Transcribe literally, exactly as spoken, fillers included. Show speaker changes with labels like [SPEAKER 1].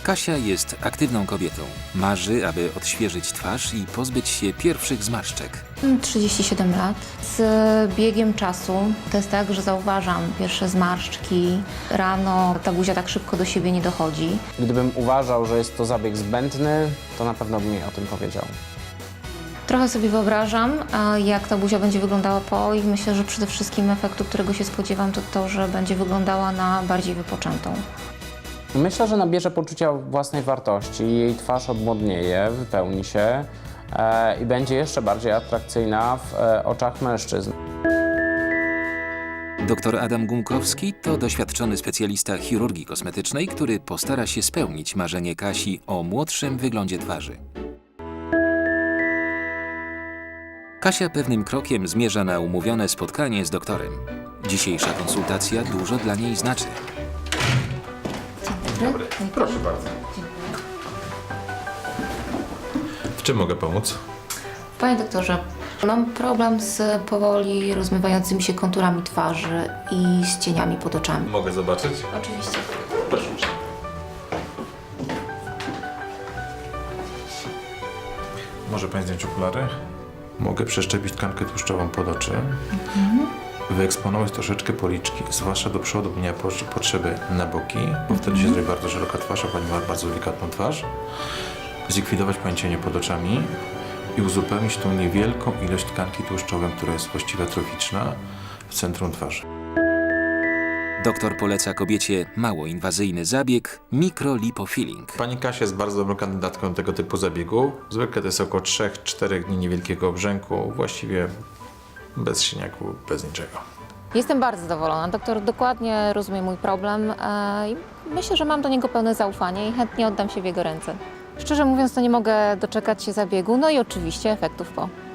[SPEAKER 1] Kasia jest aktywną kobietą. Marzy, aby odświeżyć twarz i pozbyć się pierwszych zmarszczek.
[SPEAKER 2] Mam trzydzieści siedem lat. Z biegiem czasu to jest tak, że zauważam pierwsze zmarszczki. Rano ta buzia tak szybko do siebie nie dochodzi.
[SPEAKER 3] Gdybym uważał, że jest to zabieg zbędny, to na pewno bym jej o tym powiedział.
[SPEAKER 2] Trochę sobie wyobrażam, a jak ta buzia będzie wyglądała po i myślę, że przede wszystkim efektu, którego się spodziewam, to to, że będzie wyglądała na bardziej wypoczętą.
[SPEAKER 3] Myślę, że nabierze poczucia własnej wartości, jej twarz odmłodnieje, wypełni się e, i będzie jeszcze bardziej atrakcyjna w e, oczach mężczyzn.
[SPEAKER 1] Doktor Adam Gumkowski to doświadczony specjalista chirurgii kosmetycznej, który postara się spełnić marzenie Kasi o młodszym wyglądzie twarzy. Kasia pewnym krokiem zmierza na umówione spotkanie z doktorem. Dzisiejsza konsultacja dużo dla niej znaczy.
[SPEAKER 4] Dobry, proszę bardzo. W czym mogę pomóc?
[SPEAKER 2] Panie doktorze, mam problem z powoli rozmywającymi się konturami twarzy i z cieniami pod oczami.
[SPEAKER 4] Mogę zobaczyć?
[SPEAKER 2] Oczywiście.
[SPEAKER 4] Proszę. Może Pani zdjąć okulary? Mogę przeszczepić tkankę tłuszczową pod oczy. Mhm. Wyeksponować troszeczkę policzki, zwłaszcza do przodu, bo nie ma potrzeby na boki, bo wtedy się zrobi bardzo szeroka twarz, a Pani ma bardzo delikatną twarz. Zlikwidować Pani cienie pod oczami i uzupełnić tą niewielką ilość tkanki tłuszczowej, która jest właściwie atroficzna w centrum twarzy.
[SPEAKER 1] Doktor poleca kobiecie mało inwazyjny zabieg – mikrolipofilling.
[SPEAKER 4] Pani Kasia jest bardzo dobrą kandydatką do tego typu zabiegu. Zwykle to jest około trzy do czterech dni niewielkiego obrzęku, właściwie bez siniaku, bez niczego.
[SPEAKER 2] Jestem bardzo zadowolona. Doktor dokładnie rozumie mój problem e, i myślę, że mam do niego pełne zaufanie i chętnie oddam się w jego ręce. Szczerze mówiąc, to nie mogę doczekać się zabiegu, no i oczywiście efektów po.